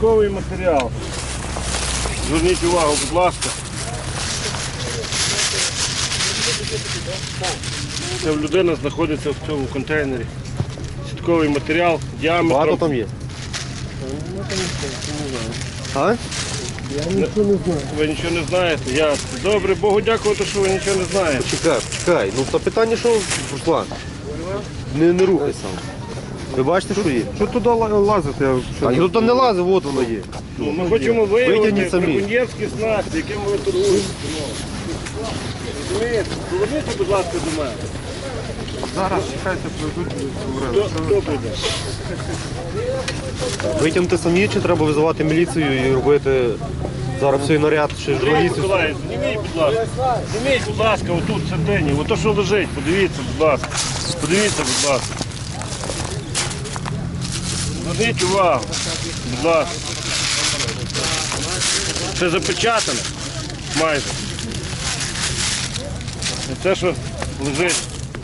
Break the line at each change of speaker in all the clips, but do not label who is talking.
Сітковий матеріал. Зверніть увагу, будь ласка. Це людина знаходиться в цьому контейнері. Сітковий матеріал діаметром.
Багато там є? А?
Я нічого не знаю. Ви нічого не знаєте? Ясно. Добре, Богу дякувати, що ви нічого не знаєте.
Чекай. Ну то питання, що, Руслан? Не рухай сам. Ви бачите, що є?
Що туди лазити?
А ніхто не лазив, от воно є.
Ми хочемо виявити
Витягніть самі.
браконьєрські снасті, якими ви торгуєте. Розумієте? Поверніться, будь ласка, до мене.
Зараз чекайте, пройдуть.
Хто буде?
Витягнути самі, чи треба визивати міліцію і робити зараз цей наряд, чи
Андрій
журналістів?
Миколаївич, зніміть, будь ласка. Зніміть, будь ласка, отут в середині. Ото що лежить, подивіться, будь ласка. Подивіться, будь ласка. Зверніть увагу, будь ласка. Це запечатане майже. І це, що лежить.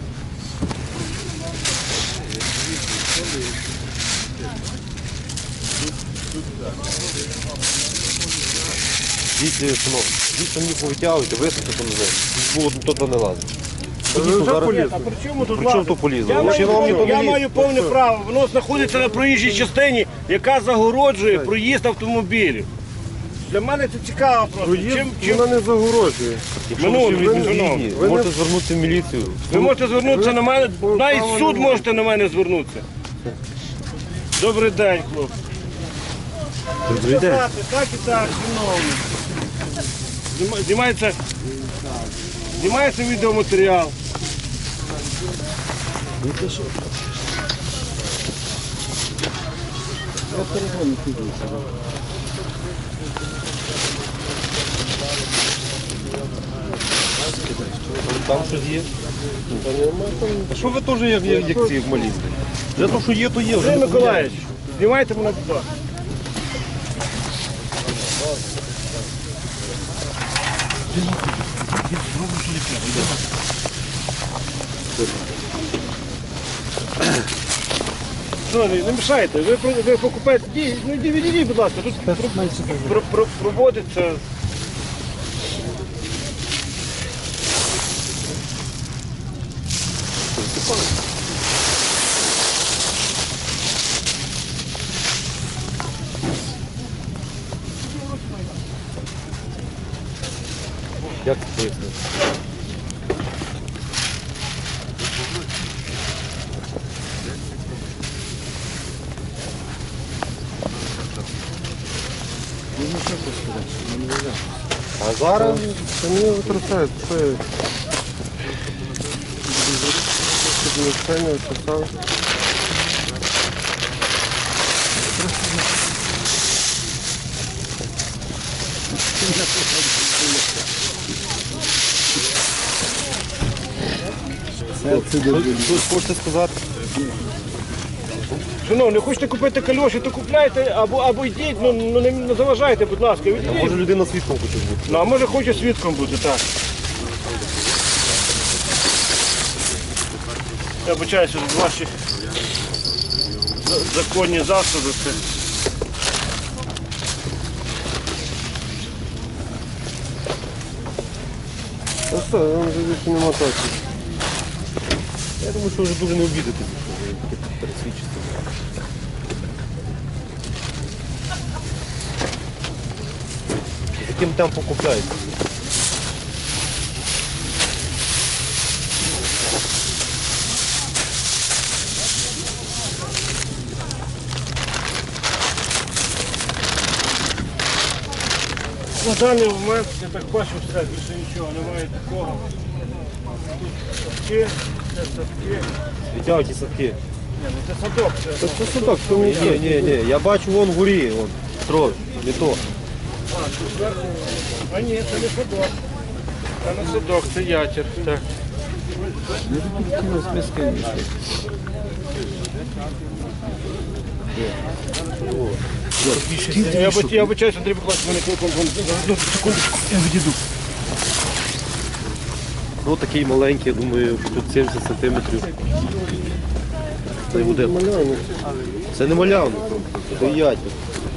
Дійсно, синок, дійсно мені повитягуйте, висуньте то назад. Було то не лазить.
А при чому тут
При чому то полізло?
Я,
Чи вам ніхто не
я
лізе?
маю повне право. Воно знаходиться на проїжджій частині, яка загороджує проїзд автомобілів. Для мене це цікаво просто.
Вона не загорожує.
Якщо
Минуле,
ви всі
шановні.
згідні, ви можете звернутися в міліцію.
Ви можете звернутися на мене, навіть в суд можете на мене звернутися. Добрий день, хлопці.
Добрий день.
Так і так, шановні. Знімається відеоматеріал.
Там щось є. А що ви теж як ці малі? Вже то, що є, то є. Вже
Андрій
не
Миколаївич, знімайте мене будь ласка. Шановні, не мішайте, ви покупаєте, ну відійдіть, будь ласка, тут проводиться.
Як це пояснити? А зараз
Це не витрачають. Це навчання, часав.
щось хочете сказати?
Шановні, хочете купити кальоші, то купляйте або йдіть, ну не заважайте, будь ласка,
А
відійдіть.
може людина свідком хоче бути?
Ну, а може хоче свідком бути, так. Я вибачаюся, що ваші законні засоби. Це.
Ну що, вам вже більше нема так.
Я думаю, що вже дуже не обідатися, що ви таке пересвідчите. З яким темпом купляєте?
На даний момент, я так бачу, все, більше нічого, немає такого. Тут садки, це садки.
Витягуйте садки.
Ні, ну це садок, це.
Це судок, то не
Ні, я бачу вон вгорі, вон, строй, не то.
Тут зверху. А ні, це не садок. Це не садок, це ятір. Так. Я вибачаюся, Андрій Миколаївич, мене секундочку, я відійду.
Ну такий маленький, я думаю, тут 70 сантиметрів. Це буде. Це не малявник, це ятір.